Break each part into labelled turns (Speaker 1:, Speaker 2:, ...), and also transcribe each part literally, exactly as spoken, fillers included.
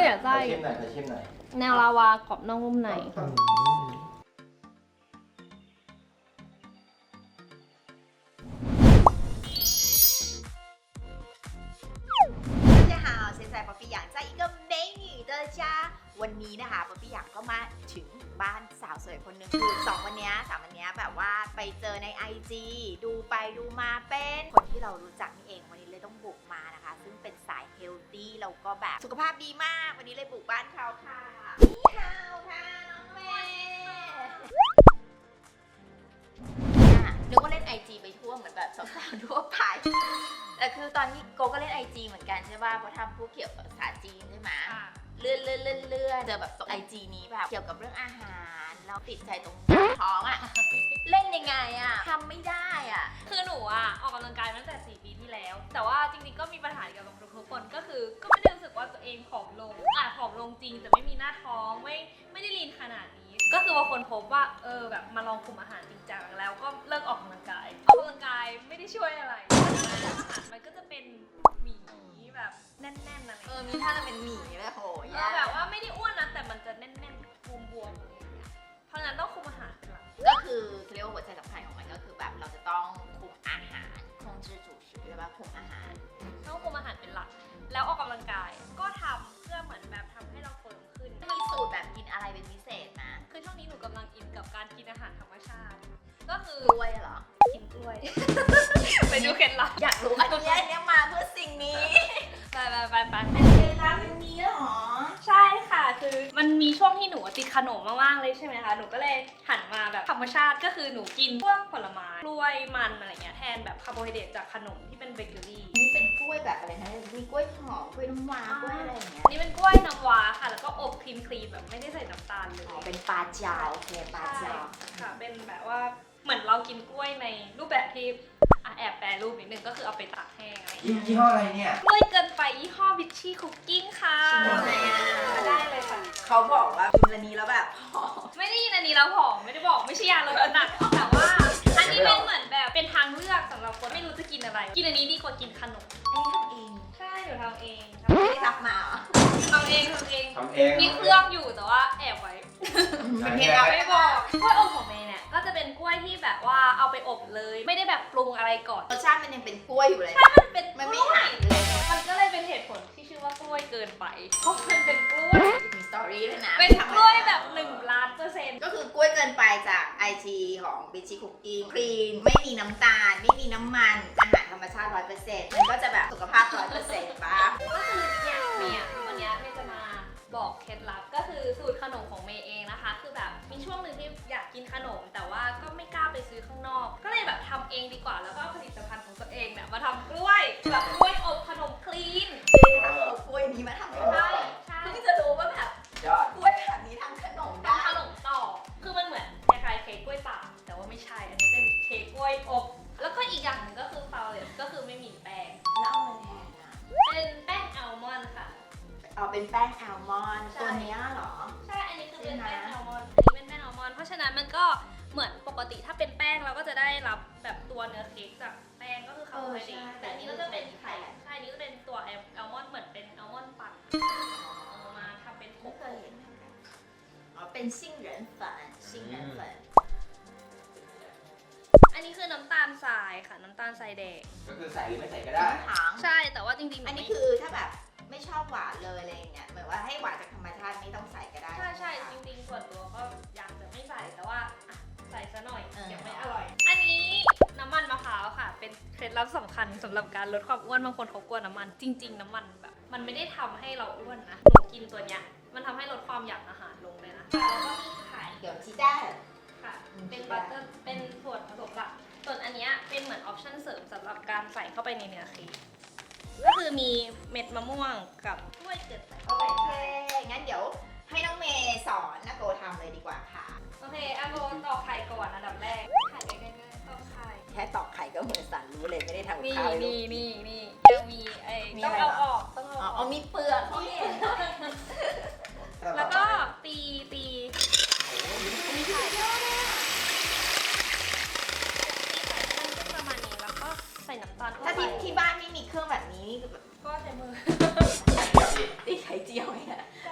Speaker 1: อ่ะไส้
Speaker 2: ชิมหน่อยขอชิมหน่อย
Speaker 1: แนวลาวากรอบนอกนุ่มใน
Speaker 3: 大家好，现在ป๊อปปี้หยาง在一个美女的家วันนี้นะคะป๊อปปี้หยางก็มาถึงบ้านสาวสวยคนหนึ่งคือสองวันนี้สามวันนี้แบบว่าไปเจอใน ไอ จี ดูไปดูมาเป็นคนที่เรารู้จักนี่เองวันนี้เลยต้องบุกมานะคะซึ่งเป็นสายเฮลตี้แล้วก็แบบสุขภาพดีมากวันนี้เลยบุกบ้านเขาค่ะนี่ค่ะค่ะน้องเมย์นึกว่าเล่น ไอ จี ไปทั่วเหมือนแบบสาวๆทั่วไปแต่คือตอนนี้โกก็เล่น ไอ จี เหมือนกันใช่ป่ะเพราะทำพวกเกี่ยวกับภาษาจีนใช่ไหมเลื่อนเลื่อนเลื่อนเลื่อนเจอแบบไอจีนี้แบบเกี่ยวกับเรื่องอาหารเราติดใจตรงท้องอ่ะ เล่นยังไงอ่ะทำไม่ได้อ่ะ
Speaker 4: คือหนูอ่ะออกกำลังกายมาตั้งแต่สี่ปีที่แล้ว แต่ว่าจริงๆก็มีปัญหาเกี่ยวกับทุกคนก็คือก็ไม่ได้รู้สึกว่าตัวเองผอมลงอ่ะผอมลงจริงแต่ไม่มีหน้าท้องไม่ไม่ได้ลีนขนาดนี้ ก็คือว่าคนพบว่าเออแบบมาลองคุมอาหารจริงจังแล้วก็เลิกออกกำลังกายออกกำลังกายไม่ได้ช่วยอะไรอาหารมันก็จะเป็นหมี่แบบแน่นๆอะไร
Speaker 3: เออมีท่าจะเป็นหมี่แบบโห
Speaker 4: เออแบบว่าไม่ได้อ้วนนะแต่มันจะแน่นๆบวมๆอะไรอย่างเงี้ยเพราะฉะนั้นต้องคุมอาหารเป็นหลัก
Speaker 3: ก็คือเรียกว่าหัวใจสำคัญของมันก็คือแบบเราจะต้องคุมอาหารคงจื้อจูชือใช่ป่ะคุมอาหาร
Speaker 4: ต้องคุมอาหารเป็นหลัก แล้วออกกำลังกายก็ทำเพื่อเหมือนแบบทำให้เราเฟิร์มขึ้น
Speaker 3: มีสูตรแบบกินอะไรเป็นพิเศษนะ
Speaker 4: คือช่วงนี้หนูกำลังอินกับการกินอาหารธรรมชาติ ก็คือก
Speaker 3: ล้วยเหรอ
Speaker 4: กินกล้วย ไปดูเคล็ดลับ
Speaker 3: อยากรู้อันนี้อันนี้มาเพื่อสิ่งนี้
Speaker 4: ไปไปไปไป
Speaker 3: เคล็ดลับเป็นนี้เหรอ
Speaker 4: ใช่ค่ะ คือมันมีช่วงที่หนูติดขนมมากๆเลยใช่ไหมคะ หนูก็เลยหันมาแบบธรรมชาติก็คือหนูกินพวกผลไม้กล้วยมันอะไรเงี้ยแทนแบบคาร์โบไฮเดรตจากขนมที่เป็นเบเกอรี่
Speaker 3: นี่เป็นกล้วยแบบอะไรนะมีกล้วยหอมกล้วยน้ำว้ากล้วยอะไรอย่างเงี้ย
Speaker 4: อันนี้เป็นกล้วยน้ำว้าค่ะ แล้วก็อบครีมครีมแบบไม่ได้ใส่น้ำตาลเลย
Speaker 3: อ๋อเป็นปลาเจาโอเคปลาเจา
Speaker 4: ค่ะเป็นแบบว่าเหมือนเรากินกล้วยในรูปแบบที่อ่ะแอบแปรรูปนิดนึงก็คือเอาไปตากแห้งอะไรอย่างเงี้ย
Speaker 2: ยี่ห้ออะไรเนี่ย
Speaker 4: กล้วยเกินไปยี่ห้อบิชชี่คุกกิ้งค่ะ
Speaker 3: ชิมได้ไหมอ่ะ
Speaker 4: ได้เลยค่ะ
Speaker 3: เขาบอกว่ากินอันนี้แล้วแบบหอม
Speaker 4: ไม่ได้ยินอันนี้แล้วผอมไม่ได้บอกไม่ใช่ยาลดน้ำหนักแต่ว่าอันนี้เป็นเหมือนแบบเป็นทางเลือกสำหรับคนไม่รู้จะกินอะไร กินอันนี้ดีกว่ากินขนม
Speaker 3: อันนี้ทำเอง
Speaker 4: ใช่หนูทำเอง
Speaker 3: ไม่ได้รับมาเหรอ
Speaker 4: ทำเองทำเอง
Speaker 2: ทำเอง
Speaker 4: มีเครื่องอยู่แต่ว่าแอบไว้
Speaker 3: เป็นเทคนิค
Speaker 4: ไม่บอกกล้วยอบของเมย์เนี่ยก็จะเป็นกล้วยที่แบบว่าเอาไปอบเลย ไม่ได้แบบปรุงอะไรก่อน
Speaker 3: รสชาติมันยังเป็นกล้วยอยู่เลย
Speaker 4: มันเป็น
Speaker 3: มันไม่
Speaker 4: กล้วย
Speaker 3: หายเลย
Speaker 4: มันก็เลยเป็นเหตุผลที่ชื่อว่ากล้วยเกินไปเพราะมันเป็นกล้วย
Speaker 3: มีสตอรี่ด้วยนะ
Speaker 4: เป็นกล้วยแบบหนึ่งล้านเปอร์เซ็นต์
Speaker 3: ก็คือกล้วยเกินไปจาก ไอ จี ของบิชิคุกกิ้งคลีนไม่มีน้ำตาล ไม่มีน้ำมัน อาหารธรรมชาติ ร้อยเปอร์เซ็นต์ มันก็จะแบบสุขภาพ ร้อยเปอร์เซ็นต์ ป่ะ
Speaker 4: ก็คือเนี่ยเนี่ยวันเนี้ยเมย์จะมาบอกเคล็ดลับก็คือสูตรขนมของเมย์เองนะคะ คือแบบมีช่วงหนึ่งที่อยากกินขนม แต่ว่าก็ไม่กล้าไปซื้อข้างนอก ก็เลยแบบทำเองดีกว่าแล้วก็เอาผลิตภัณฑ์ของตัวเองเนี่ยมาทำกล้วยแบบกล้วยอบขนมคลีน
Speaker 3: เอากล้วยนี้มาทำขนม
Speaker 4: ใช่ใช่
Speaker 3: เพิ่งจะรู้ว่าแบบ
Speaker 2: ยอด
Speaker 3: กล้วยแบบนี้ทำขนมได้
Speaker 4: ทำขนมต่อ คือมันเหมือนคล้ายๆเค้กกล้วยตากแต่ว่าไม่ใช่ อันนี้เป็นเค้กกล้วยอบ แล้วก็อีกอย่างหนึงก็คือฟาวเลตก็คือไม่มีแป้ง
Speaker 3: แล้วเอาอะไรแทนอ่ะ
Speaker 4: เป็นแป้งอัลมอนด์ค่ะ
Speaker 3: เอาเป็นแป้งแอลมอนด์
Speaker 4: ใช่
Speaker 3: ตัวเนี้ยเหรอ
Speaker 4: ใช่ อันนี้คือเป็น
Speaker 3: ใช่
Speaker 4: แป้ง
Speaker 3: ไหม
Speaker 4: อัลมอนด์ อันนี้เป็นแป้งอัลมอนด์ เพราะฉะนั้นมันก็เหมือนปกติถ้าเป็นแป้งเราก็จะได้รับแบบตัวเนื้อเค้กจากแป้งก็คือคาร์โบไฮเดรตแต่อันนี้ก็จะเป็นไข่ใช่อันนี้ก็เป็นตัวอัลมอนด์เหมือนเป็นอัลมอนด์ปั่นเอามาทำเป็นผ
Speaker 3: ไม่
Speaker 4: ง
Speaker 3: เคยเห็นเหมือนกันอ๋อเป็นซิ่งเหรินฝันซิ่งเหรินฝัน
Speaker 4: อันนี้คือน้ำตาลทรายค่ะ น้ำตาลทรายแดง
Speaker 2: ก็คือใส่หรือไม่ใส่ก็ได้
Speaker 3: ถาง
Speaker 4: ใช่ แต่ว่าจริงๆ
Speaker 3: อันนี้คือถ้าแบบไม่ชอบหวานเลยอะไรอย่างเงี้ยเหมือนว่าให้หวานจากธรรมชาติไม่ต้องใส่ก็ได้
Speaker 4: ใช่ใช่
Speaker 3: ไหม
Speaker 4: จ
Speaker 3: คะ
Speaker 4: ริงๆ ส่วนตัวก็อยากจะไม่ใส่ แต่ว่าอ่ะใส่ซะหน่อย
Speaker 3: เออ
Speaker 4: เดี๋ยวไม่อร่อย อันนี้น้ำมันมะพร้าวค่ะ เป็นเคล็ดลับสำคัญสำหรับการลดความอ้วน บางคนเขากลัวน้ำมัน จริง ๆ น้ำมันแบบ มันไม่ได้ทำให้เราอ้วนนะ หนูกินตัวเนี้ย มันทำให้ลดความอยากอาหารลงเลยนะ แล้วก็มีไข่
Speaker 3: เดี๋ยวชีด้า
Speaker 4: ค่ะ เป็นบัตเตอร์ เป็นส่วนผสมหลัก ส่วนอันเนี้ยเป็นเหมือนออปชั่นเสริมสำหรับการใส่เข้าไปในเนื้อเค้กก็คือมีเม็ดมะม่วงกับกล้วยเกิดใส่
Speaker 3: โอ
Speaker 4: เข้าไป
Speaker 3: เค งั้นเดี๋ยวให้น้องเมย์สอนนะโกทำเลยดีกว่าค่ะ
Speaker 4: โอเคอาโบตอกไข่ก่อนอันดับแรก ไข่ง่ายๆตอกไข่
Speaker 3: แค่ตอกไข่ก็เหมือนสันรู้เลยไม่ได้ทำกับ
Speaker 4: นี่
Speaker 3: ข้าวเลยลู
Speaker 4: นี่
Speaker 3: ก
Speaker 4: นี่นี่ยังมีไอ้
Speaker 3: มี
Speaker 4: ต้อง
Speaker 3: อะไร
Speaker 4: เอา
Speaker 3: เหรอ
Speaker 4: ออกต้องเอา
Speaker 3: อ๋อ
Speaker 4: อ
Speaker 3: อ๋
Speaker 4: อ
Speaker 3: อก มีเปลือกเขาเห็น
Speaker 4: แล้วก็ตีตีมีไข่ตีไข่มันก็ประมาณนี้แล้วก็ใส่น้ำตาลเข้า
Speaker 3: ถ้า
Speaker 4: ไป
Speaker 3: ที่ที่บ้านไม่มีเครื่องแบบนี้นี่คือแบบ
Speaker 4: ก็ใช้มือ
Speaker 3: ตีไข่เจียวไงอะ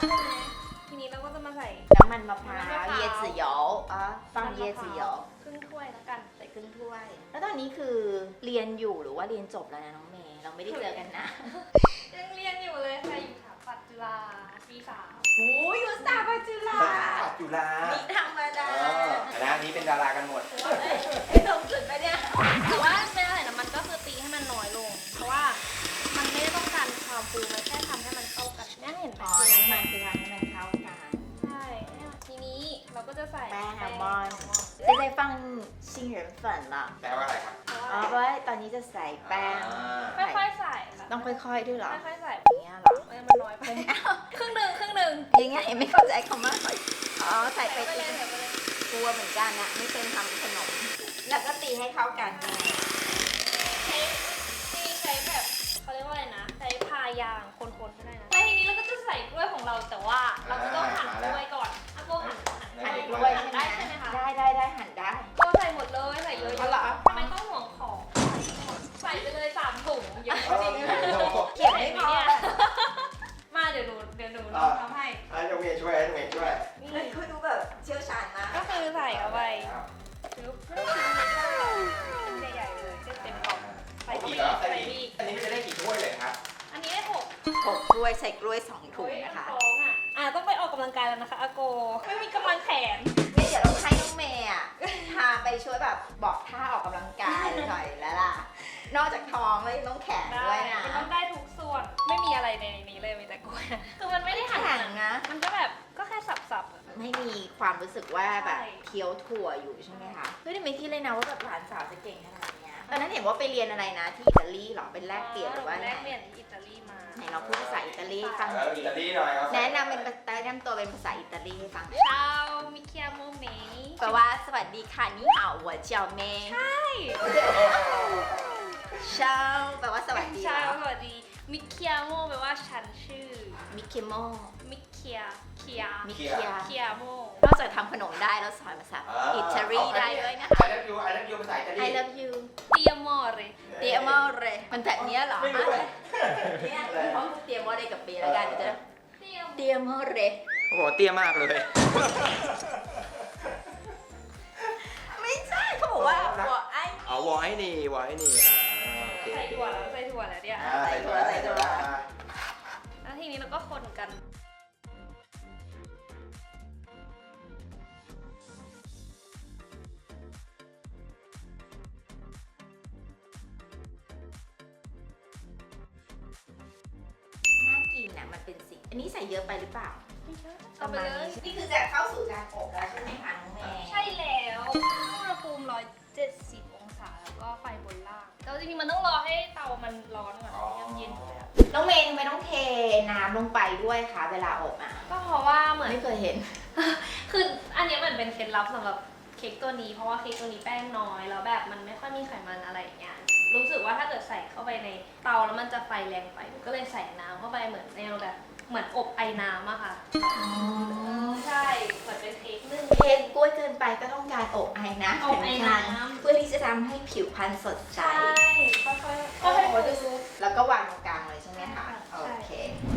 Speaker 4: ใช่ไหมทีนี้เราก็จะมาใส่
Speaker 3: น้ำมันมะพร้า
Speaker 4: น้ำมันมะ
Speaker 3: ว
Speaker 4: พร้าว
Speaker 3: เยจือเหยาอ่ะฟังเยจือเหยา
Speaker 4: ครึ่งถ้วยแล้วกัน
Speaker 3: ใส่ครึ่งถ้วย แล้วตอนนี้คือเรียนอยู่หรือว่าเรียนจบแล้วนะน้องเมย์เราไม่ได้เจอกันนะ
Speaker 4: ยังเรียนอยู่เลยค่ะอยู่สถาปัตย์จุฬาปีสาม
Speaker 3: โอ้ยอยู่สถาปัตย์จุฬา
Speaker 2: ปัจจุฬา
Speaker 3: นี่ธรรมดา
Speaker 2: เออคณะนี้เป็นดารากันหมด
Speaker 3: ไอ้ตรงจุดไปเนี่ย
Speaker 4: แต่ว่าไม่อะไรนะมันก็คือตีให้มันน้อยลง เพราะว่ามันไม่ได้ต้องการความฟูมันแค่ทำให้มันเข้ากันเนี่ยเห็นไหม
Speaker 3: อ๋อน้ำมันคือทำให้มันเข้ากัน
Speaker 4: ใช่ทีนี้เราก็จะใส่
Speaker 3: แป้งอัลมอนด์
Speaker 4: ด์
Speaker 3: จะได้ฟังชิงเหรินเฟินละ
Speaker 2: แปลว่าอะไรครับ
Speaker 3: อ๋อเพราะว่าตอนนี้จะใส่แป้ง
Speaker 2: อ่า
Speaker 4: ค่อยๆใส่ค่ะ
Speaker 3: ต้องค่อยๆด้วยเหรอ
Speaker 4: ค่อยๆใส่
Speaker 3: อย่างเงี้ยเหรอ
Speaker 4: เออมันน้อยไปครึ่งหนึ่งครึ่งหนึ่ง
Speaker 3: ยังไงไม่เข้าใจคำว่าค่อยอ๋อใส่
Speaker 4: ใส่
Speaker 3: ไป
Speaker 4: ไปเลยใส่ไปเลย
Speaker 3: กลัวเหมือนกันนะไม่เคยทำขนม แล้วก็ตีให้เข้ากันยังไง
Speaker 4: ใช้ทีนี้ใช้แบบเขาเรียกว่าอะไรนะใช้พายางคนๆก็ได้นะแล้วทีนี้เราก็จะใส่กล้วยของเราแต่ว่าเราจะต้องหั่นกล้วยก่อนอ่ะโบหั่นหั่น
Speaker 3: หั่น
Speaker 4: ก
Speaker 3: ก
Speaker 4: ล้
Speaker 3: ล้ว
Speaker 4: วย ย
Speaker 3: ใช่ไหม
Speaker 4: ได้ใช่ไหมคะ
Speaker 3: ได้ได้ได้หั่นได้
Speaker 4: ก็ใส่หมดเลยใส่เยอะ
Speaker 3: เอาเหรอ
Speaker 4: ๆทำไมต้องห่วงของใส่ไปเลยสามถุงเยอะจริง
Speaker 3: เขียนไม่พอเลย
Speaker 4: มาเดี๋ยวหนูเดี๋ยวหนูลองทำให้
Speaker 2: ให้น้องเมย์ช่วยให้น้องเมย์ช่วย
Speaker 4: นี่
Speaker 3: เฮ้ยคุณดูแบบเชี่ยวชาญมาก
Speaker 4: ก็คือใส่เอาไปปึ๊บไม่ต้องชิ้นเล็กก็ชิ้นใหญ่ๆเลยเต็มๆกล่องใส่
Speaker 2: อี
Speaker 4: ที่
Speaker 2: กเหรอ
Speaker 4: ใส่
Speaker 2: ใส่
Speaker 4: ที่
Speaker 2: อีกอันนี้จะได้กี่ถ้วยเลยครับ
Speaker 4: อันนี้ได้หก
Speaker 3: หกกล้วยใส่กล้วยสองถุง
Speaker 4: โอ้ย
Speaker 3: นะคะ
Speaker 4: ท้องอ่ะอ่ะต้องไปออกกำลังกายแล้วนะคะอาโกไม่มีกำลังแขน
Speaker 3: นี่เดี๋ยวเราให้น้องเมย์อ่ะพาไปช่วยแบบบอกท่าออกกำลังกายหน่อยแล้วล่ะ นอกจากท้องแล้วยังต้องแขน
Speaker 4: ได้
Speaker 3: ด้วยนะ
Speaker 4: มันต้องได้ทุกส่วนไม่มีอะไรในนี้เลยมีแต่กล้วยคือมันไม่ได้หั่น
Speaker 3: แข็ง
Speaker 4: นะ
Speaker 3: นะ
Speaker 4: มันก็แบบก็แค่สับๆอะ
Speaker 3: ไม่มีความรู้สึกว่าแบบ
Speaker 4: ใช่
Speaker 3: เคี้ยวถั่วอยู่ใช่ไหมคะเฮ้ยแต่ไม่คิดเลยนะว่าแบบหลานสาวจะเก่งขนาดเนี้ยตอนนั้นเห็นว่าไปเรียนอะไรนะที่อิตาลีเหรอเป็นแลกเปลี่ยนหรือว่า
Speaker 4: แล
Speaker 3: ไง
Speaker 4: กเปลี่ยนที่อิตาลีมา
Speaker 3: ไหนเราพูดภาษาอิตาลีให้ฟัง
Speaker 2: แล้วอิตาลีหน่อยเอาใส่
Speaker 3: แนะนำเป็นภาษาแนะนำตัวเป็นภาษาอิตาลีให้ฟัง
Speaker 4: ชาวมิเคียโมเม
Speaker 3: แปลว่าสวัสดีค่ะนี่เหาหัวเจียวเมย์
Speaker 4: ใช่
Speaker 3: เชาแปลว่าสวัสดี
Speaker 4: ชาวสวัสดีมิเคียโมแปลว่าฉันชื่อ
Speaker 3: มิเคโม
Speaker 4: มิเคียเคีย
Speaker 3: มิเคีย
Speaker 4: เคียโม
Speaker 3: นอกจากทำขนมได้แล้วสอนภาษาอิตาลีได้ด้วยนะคะ
Speaker 2: I love you I love you ภาษาอิตาลี
Speaker 3: I love you
Speaker 4: เตียมอเร
Speaker 3: เตียมอเรมันแบบเนี้ยเหรอ
Speaker 2: ไม่รู้เลย
Speaker 3: เนี่ยเพราะเตียมอเรกับเบแล้วกันเดี๋ยวจะ
Speaker 4: เตียม
Speaker 3: เตียมอเร
Speaker 2: โอ้โหเตี้ยมากเลย
Speaker 3: ไม่ใช่เขาบอกว่าหัวไอ้
Speaker 2: เอาวอให้นี่วอให้นี่อ่าโอเค
Speaker 4: ใส่ถั่วแล้วใส่ถั่วแล้วเนี่ย
Speaker 2: อ่าใส่ถั่วใส่ถั่วอ่า
Speaker 4: แล้วทีนี้เราก็คนกัน
Speaker 3: น่ากินนะมันเป็นสีอันนี้ใส่เยอะไปหรือเปล่า
Speaker 4: เอาไปเลย
Speaker 3: นี่คือจะเข้าสู่การอบแล้วใช่ไหมคะน้องเมย์
Speaker 4: ใช่แล้วอุณหภูมิหนึ่งร้อยเจ็ดสิบองศาแล้วก็ไฟบนล่างแล้วจริงๆมันต้องรอให้เตามันร้อนก่อนยังเย็นอยู่เลยอะ
Speaker 3: น้องเมย์ทำไมต้องเทน้ำลงไปด้วยคะเวลาอบอ่ะ
Speaker 4: ก็เพราะว่าเหมือน
Speaker 3: ไม่เคยเห็น
Speaker 4: คืออันเนี้ยเหมือนเป็นเคล็ดลับสำหรับเค้กตัวนี้เพราะว่าเค้กตัวนี้แป้งน้อยแล้วแบบมันไม่ค่อยมีไขมันอะไรอย่างเงี้ยรู้สึกว่าถ้าเกิดใส่เข้าไปในเตาแล้วมันจะไฟแรงไปก็เลยใส่น้ำเข้าไปเหมือนแนวแบบเหมือนอบไอ้น้ำอะค่ะใช่เหมือนเป็นเค้กนึ่ง
Speaker 3: เค้กกล้วยเกินไปก็ต้องการอบไอ้น้ำ
Speaker 4: อบไอน้ำ
Speaker 3: เพื่อที่จะทำให้ผิวพรรณสดใส
Speaker 4: ใช่ค่อยๆค่อย
Speaker 3: โอ้
Speaker 4: ๆ
Speaker 3: โห
Speaker 4: ดู
Speaker 3: แล้วก็วางตรงกลางเลยใช่ไหมคะ
Speaker 4: ใช่
Speaker 3: โอเค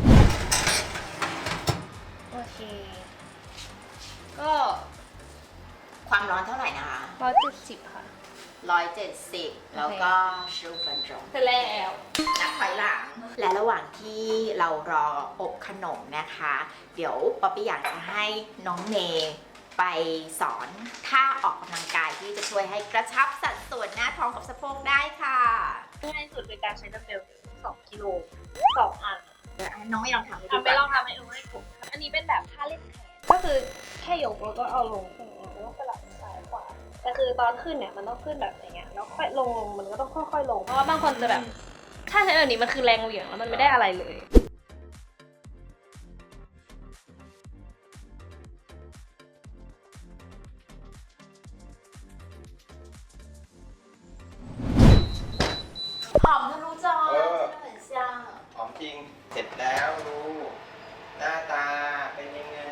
Speaker 4: โอเค ก็
Speaker 3: ความร้อนเท่าไหร่นะคะ
Speaker 4: ร้อยเจ็ดสิบค่ะ
Speaker 3: ร้อยเจ็ดสิบแล้วก็ชูฟันจง
Speaker 4: เสร็จแล้ว
Speaker 3: นับถอยหลัง และระหว่างที่เรารออบขนมนะคะ เดี๋ยวป๊อปปี้อยากจะให้น้องเมย์ไปสอนท่าออกกำลังกายที่จะช่วยให้กระชับสัดส่วนหน้าท้องกับสะโพกได้ค่ะ
Speaker 4: ง่ายสุดคือการใช้ดัมเบลสองกิโลสองอัน
Speaker 3: เดี๋ยวน้องไม่ลองทำให้ดู
Speaker 4: ทำไป
Speaker 3: ก่อน
Speaker 4: ลองทำให้ดูให้ผมอันนี้เป็นแบบท่าเล่นแขนก็คือแค่ยกแล้วก็เอาลงแล้วก็สลับซ้ายขวาแต่คือตอนขึ้นเนี่ยมันต้องขึ้นแบบอย่างเงี้ยแล้วค่อยลงลงมันก็ต้องค่อยๆลงเพราะว่าบางคนจะแบบถ้าใช้แบบนี้มันคือแรงเหวี่ยงแล้วมันไม่ได้อะไรเลย
Speaker 3: หอมทะลุจอเหมือนเชียง
Speaker 2: หอมจริง เสร็จแล้วดู หน้าตาเป็นยังไง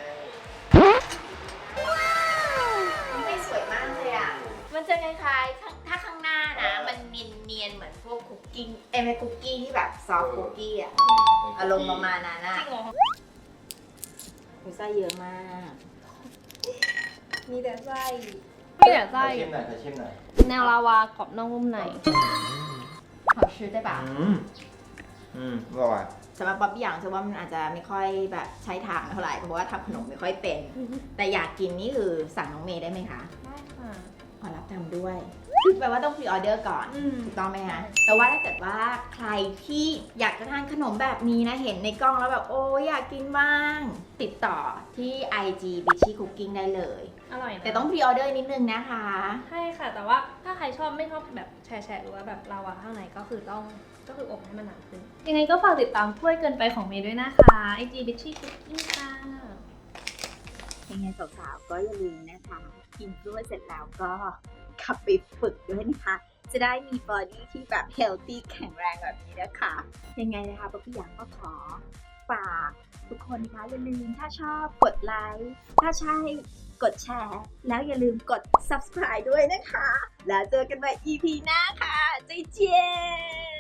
Speaker 3: ไม่สวยมากเลยอ่ะ มันจะคล้ายๆข้างถ้าข้างหน้านะ มันเนียนๆเหมือนพวกคุกกิ้งเอ้ยไม่คุกกี้ที่แบบซอฟต์คุกกี้อ่ะ อารมณ์ประมาณนั้น
Speaker 4: จ
Speaker 3: อ่ะ
Speaker 4: ริงเหรอ
Speaker 3: มีไส้เยอะมาก มีแต่ไส้
Speaker 1: มีแต่
Speaker 2: ขอ
Speaker 1: ไส้
Speaker 2: ชิมหน่อยขอชิมหน่อย
Speaker 1: แนวลาวากรอบนอกนุ่มใน
Speaker 3: ขอชื่อได้ปะ
Speaker 2: อืมอืมอร่อย
Speaker 3: สำหรับป๊อปปี้อย่างฉันว่ามันอาจจะไม่ค่อยแบบใช้ทางเท่าไหร่เพราะว่าทำขนมไม่ค่อยเป็น แต่อยากกินนี่คือสั่งน้องเมย์ได้ไหมคะ
Speaker 1: ได้ค่ะ
Speaker 3: ขอรับทำด้วยคือแปลว่าต้องพรีออเดอร์ก่อน
Speaker 1: อืม
Speaker 3: ถูกต้องไหมคะแต่ว่าถ้าเกิดว่าใครที่อยากจะทานขนมแบบนี้นะ เห็นในกล้องแล้วแบบโอ้ยอยากกินบ้าง ติดต่อที่ ไอ จี Bitchy Cooking ได้เลย
Speaker 1: อร่อยนะ
Speaker 3: แต่ต้องพรีออเดอร์นิดนึงนะคะ
Speaker 1: ใช่ค่ะ แต่ว่าถ้าใครชอบไม่ชอบแบบแฉะๆหรือว่าแบบลาวาข้างในก็คือต้องก็คืออบให้มันหนาขึ้น ยังไงก็ฝากติดตามถ้วยเกินไปของเมย์ด้วยนะคะ ไอ จี Bitchy Cooking ค่ะ
Speaker 3: ยังไงสาวๆก็อย่าลืมนะคะ กินกล้วยเสร็จแล้วก็ขับไปฝึกด้วยนะคะ จะได้มีบอดี้ที่แบบเฮลตี้แข็งแรงแบบนี้นะคะ ยังไงนะคะป๊อปปี้อยางก็ขอฝากทุกคนนะคะอย่าลืมถ้าชอบกดไลค์ถ้าใช่กดแชร์ แล้วอย่าลืมกด ซับสไครบ์ ด้วยนะคะ แล้วเจอกันใหม่ อี พี หน้าค่ะเจ๊เจ๊